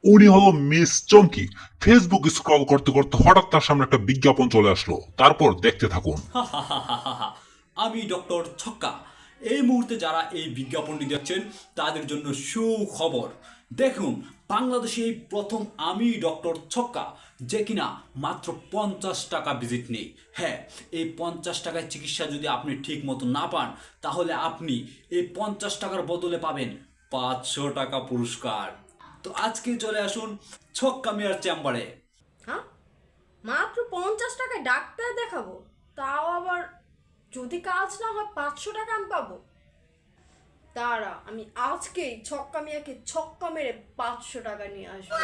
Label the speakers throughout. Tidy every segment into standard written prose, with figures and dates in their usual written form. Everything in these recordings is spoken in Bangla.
Speaker 1: উনি হলো মিস চমকি। ফেসবুক স্ক্রল করতে করতে হঠাৎ তার সামনে একটা বিজ্ঞাপন চলে আসলো। তারপর দেখতে থাকুন।
Speaker 2: আমি ডক্টর ছক্কা। এই মুহূর্তে যারা এই বিজ্ঞাপনটি দেখছেন তাদের জন্য সুখবর। দেখুন, বাংলাদেশে এই প্রথম আমি ডক্টর ছক্কা, যে কিনা মাত্র 50 টাকা ভিজিট নেই। হ্যাঁ, এই 50 টাকায় চিকিৎসা যদি আপনি ঠিক মতো না পান, তাহলে আপনি এই 50 টাকার বদলে পাবেন 500 টাকা পুরস্কার। তো আজকে চলে আসুন ছক্কা মিয়ার চেম্বারে।
Speaker 3: হ্যাঁ, মাত্র 50 টাকায় ডাক্তার দেখাবো, তাও আবার যদি কাজ না হয় 500 টাকা আমি পাবো। তারা আমি আজকেই ছক্কা মিয়াকে ছক্কা মেরে 500 টাকা নিয়ে আসবো।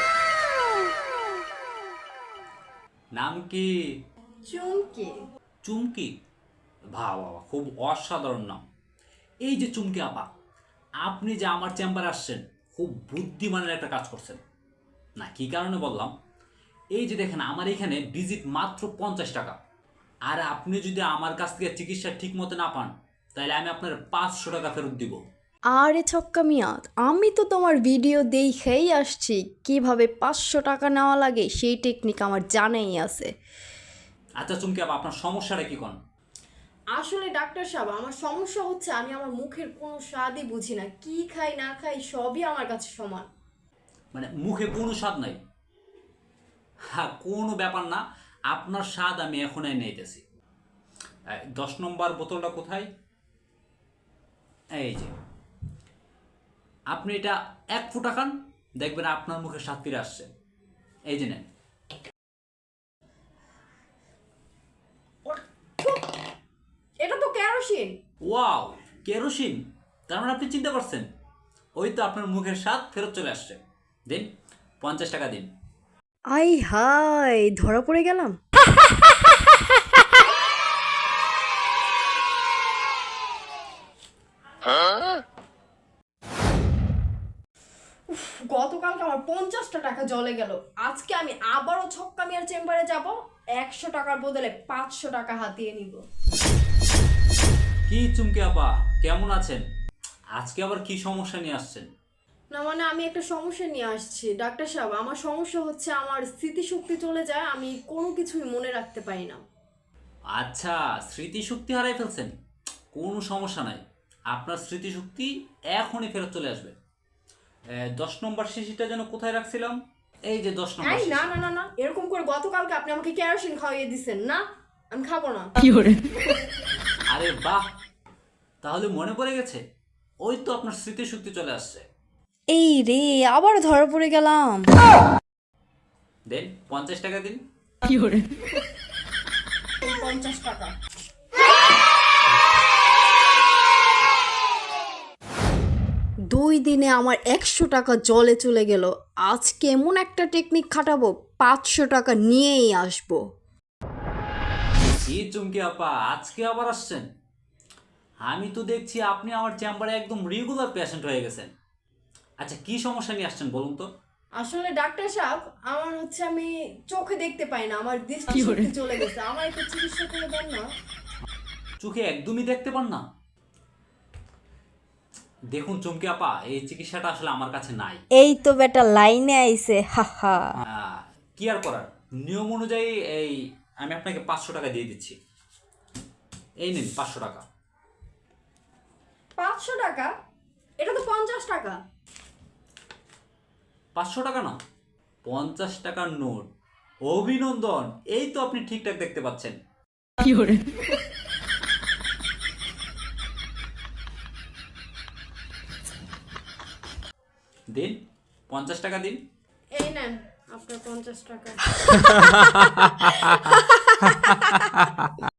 Speaker 2: নাম কি?
Speaker 3: চুমকি।
Speaker 2: চুমকি? বাহ বাহ বাহ, খুব অসাধারণ নাম। এই যে চুমকি আপা, আপনি যে আমার চেম্বারে আসছেন, খুব বুদ্ধিমানের একটা কাজ করছেন। না, কি কারণে বললাম, এই যে দেখেন আমার এখানে ভিজিট মাত্র 50 টাকা। আর আপনি যদি আমার কাছ থেকে চিকিৎসা ঠিক মতো না পান, তাহলে আমি আপনার 500 টাকা ফেরত দিব।
Speaker 3: আরে ছক্কা মিয়া, আমি তো তোমার ভিডিও দেখেই আসছি, কিভাবে 500 টাকা নেওয়া লাগে সেই টেকনিক আমার জানাই আছে।
Speaker 2: আচ্ছা চুমকি আপা, আপনার সমস্যাটা কি কোন?
Speaker 3: আসলে ডাক্তার সাহেব, আমার সমস্যা হচ্ছে আমি আমার মুখের কোনো স্বাদই বুঝি না, কি খাই না খাই সবই আমার কাছে সমান।
Speaker 2: মানে মুখে কোনো স্বাদ নাই? হ্যাঁ, কোনো ব্যাপার না, আপনার স্বাদ আমি এখনই নিতেছি। 10 নম্বর বোতলটা কোথায়? এই যে, আপনি এটা 1 ফুটা খান, দেখবেন আপনার মুখে স্বাদ ফিরে আসছে। এই যে নেন।
Speaker 3: এটা তো কেরোসিন।
Speaker 2: Wow, kerosene! তার মানে আপনি চিন্তা করছেন, ওই তো আপনার মুখের স্বাদ ফেরত চলে আসছে। দিন, 50 টাকা দিন।
Speaker 3: আই হাই, ধরা পড়ে গেলাম। গতকালকে আমার 50টা টাকা জলে গেল, আজকে আমি আবারও ছক্কা মিয়ার চেম্বারে যাব, 100 টাকার বদলে 500 টাকা হাতিয়ে নিব।
Speaker 2: কি চুমকি আপা, কেমন আছেন? আজকে আবার কি সমস্যা নিয়ে আসছেন?
Speaker 3: না মানে আমি একটা সমস্যা নিয়ে আসছি ডাক্তার সাহেব। আমার সমস্যা হচ্ছে আমার স্মৃতিশক্তি চলে যায়, আমি কোনো কিছুই মনে রাখতে পারি না।
Speaker 2: আচ্ছা, স্মৃতিশক্তি হারাই ফেলছেন? কোনো সমস্যা নাই, আপনার স্মৃতিশক্তি এখনই ফেরত চলে আসবে। 10 নম্বর শিশিটা যেন কোথায় রাখছিলাম? এই যে 10 নম্বর
Speaker 3: এই
Speaker 2: শিশি।
Speaker 3: না না না না, এরকম করে গতকালকে আপনি আমাকে কেরোসিন খাওয়িয়ে দিছেন না, আমি খাবো না।
Speaker 2: আরে বাহ, তাহলে মনে পড়ে গেছে, ওই তো আপনার স্মৃতিশক্তি চলে আসছে।
Speaker 3: এই রে, আবার ধরা পড়ে গেলাম।
Speaker 2: দেন, 50 টাকা দিন।
Speaker 3: এই 50 টাকা। দুই দিনে আমার 100 টাকা জলে চলে গেল, আজকে এমন একটা টেকনিক খাটাবো, 500 টাকা নিয়েই আসবো।
Speaker 2: কি চুমকি আপা, আজকে আবার আসছেন? আমি তো দেখছি আপনি আমার চেম্বারে একদম রেগুলার পেশেন্ট হয়ে গেছেন। আচ্ছা, কি সমস্যা নিয়ে আসছেন বলুন তো?
Speaker 3: আসলে ডাক্তার সাহেব, আমার হচ্ছে আমি চোখে দেখতে পাই না, আমার দৃষ্টিশক্তি চলে গেছে, আমার একটু চিকিৎসা করে দেন না।
Speaker 2: চোখে একদমই দেখতে পান না? দেখুন চুমকি আপা, এই চিকিৎসাটা আসলে আমার কাছে নাই।
Speaker 3: এই তো বেটা লাইনে আইছে, হাহা।
Speaker 2: কি আর করার, নিয়ম অনুযায়ী এই আমি আপনাকে 500 টাকা দিয়ে দিচ্ছি। এই নিন 500 টাকা।
Speaker 3: 500 টাকা? এটা তো 50 টাকা।
Speaker 2: 500 টাকা না, 50 টাকার নোট। অভিনন্দন, এই তো আপনি ঠিকঠাক দেখতে পাচ্ছেন। দিন, 50 টাকা দিন।
Speaker 3: এই নেন আপনার 50 টাকা।